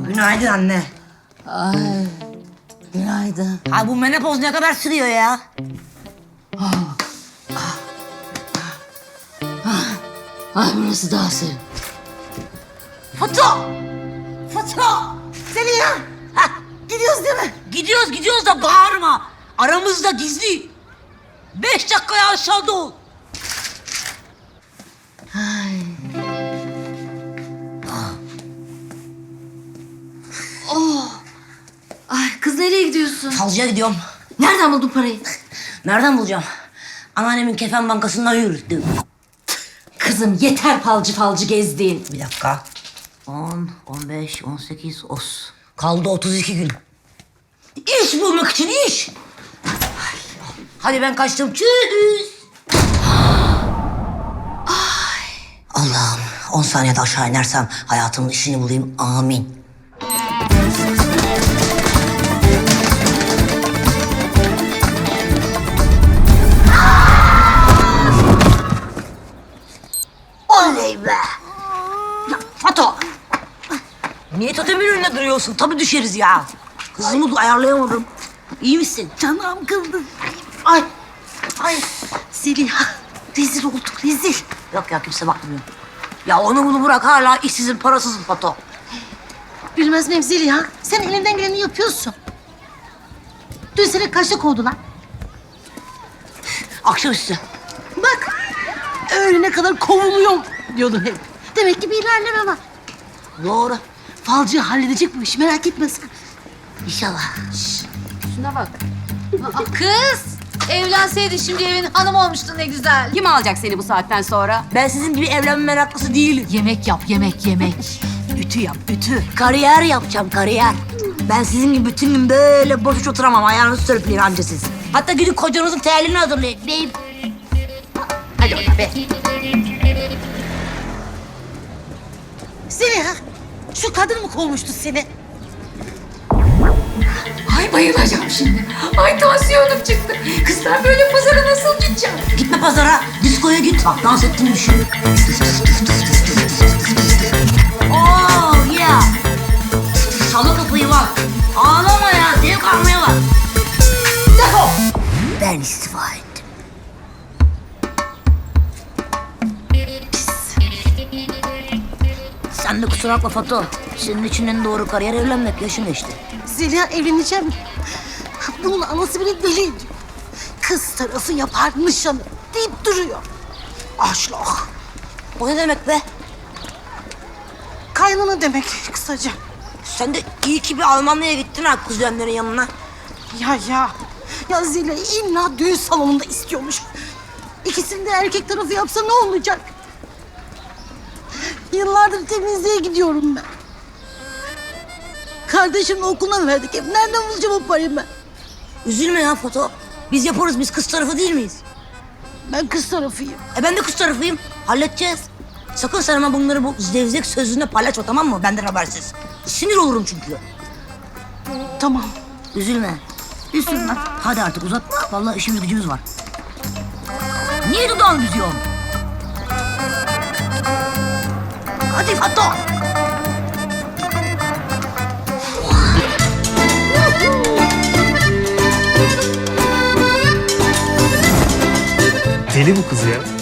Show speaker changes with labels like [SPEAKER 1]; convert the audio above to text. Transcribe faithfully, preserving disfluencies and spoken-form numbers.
[SPEAKER 1] Günaydın anne.
[SPEAKER 2] Ay, günaydın.
[SPEAKER 1] Ha bu menopoz ne kadar sürüyor ya?
[SPEAKER 2] Ay burası daha serin.
[SPEAKER 1] Foto! Foto! Zeliha! Ha, gidiyoruz değil mi? Gidiyoruz gidiyoruz da bağırma. Aramızda gizli. Beş dakikaya aşağıda ol.
[SPEAKER 2] Ay. Oh. Ay kız nereye gidiyorsun?
[SPEAKER 1] Falcıya gidiyorum.
[SPEAKER 2] Nereden buldun parayı?
[SPEAKER 1] Nereden bulacağım? Anneannemin kefen bankasından yürüttüm.
[SPEAKER 2] Kızım yeter falcı falcı gezdiğin.
[SPEAKER 1] Bir dakika. On, on beş, on sekiz, os. Kaldı otuz iki gün. İş bulmak için iş. Hadi ben kaçtım. Tschüss. Allah'ım on saniyede aşağı inersem hayatımın işini bulayım. Amin. Oley be. Ya Fato. Niye totemin önünde duruyorsun? Tabii düşeriz ya. Kızımı ayarlayamadım. İyi misin?
[SPEAKER 3] Canım kıldı. Ay, ay Zeliha, rezil olduk, rezil.
[SPEAKER 1] Yok ya kimse bakmıyor. Ya onu bunu bırak hala işsizim parasızım Fato.
[SPEAKER 3] Bilmez miyim Zeliha? Sen elinden geleni yapıyorsun. Dün seni kaçta kovdular?
[SPEAKER 1] Akşamüstü.
[SPEAKER 3] Bak, öğlene kadar kovuluyorum diyordun hep. Demek ki bir ilerleme var.
[SPEAKER 1] Doğru.
[SPEAKER 3] Falcı halledecek bu işi, merak etme sen.
[SPEAKER 1] İnşallah.
[SPEAKER 4] Şuna bak. Aa, kız! Evlenseydin şimdi evin hanımı olmuştun ne güzel. Kim alacak seni bu saatten sonra?
[SPEAKER 1] Ben sizin gibi evlenme meraklısı değilim.
[SPEAKER 4] Yemek yap, yemek, yemek.
[SPEAKER 3] Ütü yap, ütü.
[SPEAKER 1] Kariyer yapacağım kariyer. Ben sizin gibi bütün gün böyle boş boş oturamam. Ayağınızı sörpleyin anca siz. Hatta gidip kocanızın terliğini hazırlayın. Deyip.
[SPEAKER 4] Hadi oradan be.
[SPEAKER 3] Zeliha, şu kadın mı kovmuştu seni?
[SPEAKER 4] Ay bayılacağım şimdi. Ay tansiyonum çıktı. Kız ben böyle pazara nasıl gideceğim?
[SPEAKER 1] Gitme pazara. Diskoya git. Bak dans ettiğini düşün. Oh yeah. Salı kapıyı bak. Ağlama ya. Zevk almaya bak. Defol. Ben istifa ettim. Sen de kusura bakma Fato. Senin için en doğru kariyer evlenmek. Yaşın geçti.
[SPEAKER 3] Zeliha evleneceğim. Bunun anası beni deli ediyor. Kız tarafı yapar nişanı deyip duruyor. Aşlak.
[SPEAKER 1] O ne demek be?
[SPEAKER 3] Kaynana demek kısaca.
[SPEAKER 1] Sen de iyi ki bir Almanya'ya gittin ha kuzenlerin yanına.
[SPEAKER 3] Ya ya. Ya Zeliha illa düğün salonunda istiyormuş. İkisini de erkek tarafı yapsa ne olacak? Yıllardır temizliğe gidiyorum ben. Kardeşimle okuluna verdik hep. Nereden bulacağım o parayı ben?
[SPEAKER 1] Üzülme ya Foto. Biz yaparız. Biz kız tarafı değil miyiz?
[SPEAKER 3] Ben kız tarafıyım.
[SPEAKER 1] E ben de kız tarafıyım. Halledeceğiz. Sakın sen ama bunları bu zevzek sözünde paylaşma tamam mı? Benden habersiz. Sinir olurum çünkü.
[SPEAKER 3] Tamam.
[SPEAKER 1] Üzülme. Üzülme. Hadi artık uzatma. Vallahi işimiz gücümüz var. Niye dudağını büzüyorsun? Hadi Foto.
[SPEAKER 5] Deli bu kız ya.